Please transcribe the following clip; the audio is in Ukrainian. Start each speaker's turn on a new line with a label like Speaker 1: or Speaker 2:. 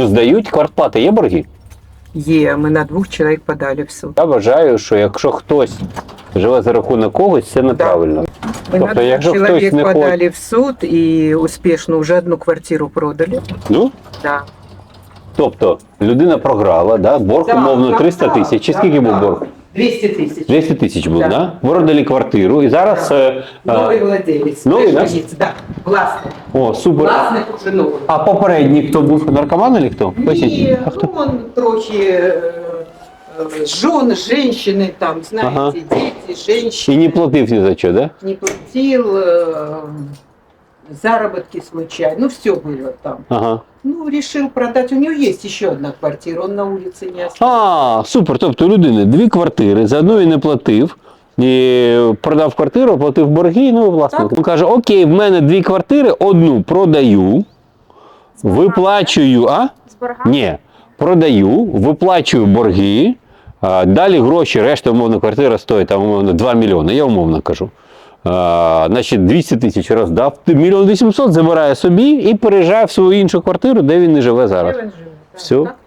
Speaker 1: квартиру здають, квартплата є борги?
Speaker 2: Є, ми на 2 чоловік подали в суд.
Speaker 1: Я вважаю, що якщо хтось живе за рахунок когось, це неправильно.
Speaker 2: Ми
Speaker 1: Тобто,
Speaker 2: на 2
Speaker 1: якщо хтось
Speaker 2: чоловік
Speaker 1: не
Speaker 2: подали в суд і успішно вже 1 квартиру продали.
Speaker 1: Ну,
Speaker 2: Да.
Speaker 1: тобто, людина програла, да? Борг умовно 300 тисяч. Чи скільки був борг?
Speaker 2: 200 тисяч.
Speaker 1: 200 тисяч був,
Speaker 2: Да.
Speaker 1: да? Продали квартиру і зараз...
Speaker 2: Новий владелець.
Speaker 1: Новий, да?
Speaker 2: Да? Власник.
Speaker 1: О, супер.
Speaker 2: Власник уже новий.
Speaker 1: А попередній хто був? Наркоман чи хто? Поясніть.
Speaker 2: Ні,
Speaker 1: А хто?
Speaker 2: ну он трохи жен, женщины там, знаете,
Speaker 1: Ага.
Speaker 2: дети, женщины.
Speaker 1: І не платив ні за що, да?
Speaker 2: Не платил, заработки случайно, ну все было там.
Speaker 1: Ага.
Speaker 2: Ну, решил продать, у него есть еще 1 квартира, он на улице не остался.
Speaker 1: А, супер. Тобто у людини 2 квартири, за одну він не платив, і продав квартиру, платив борги, ну і власник. Він каже, окей, в мене 2 квартири, одну продаю, виплачую, а?
Speaker 3: З боргами?
Speaker 1: Ні, продаю, виплачую борги, далі гроші, решта, умовно, квартира стоїть, там, умовно, 2 мільйони, я умовно кажу. Значить, 200 тисяч роздав, 1 800 000 забирає собі і переїжджає в свою іншу квартиру, де він не живе зараз.
Speaker 2: Де він живе?
Speaker 1: Все.
Speaker 2: Так?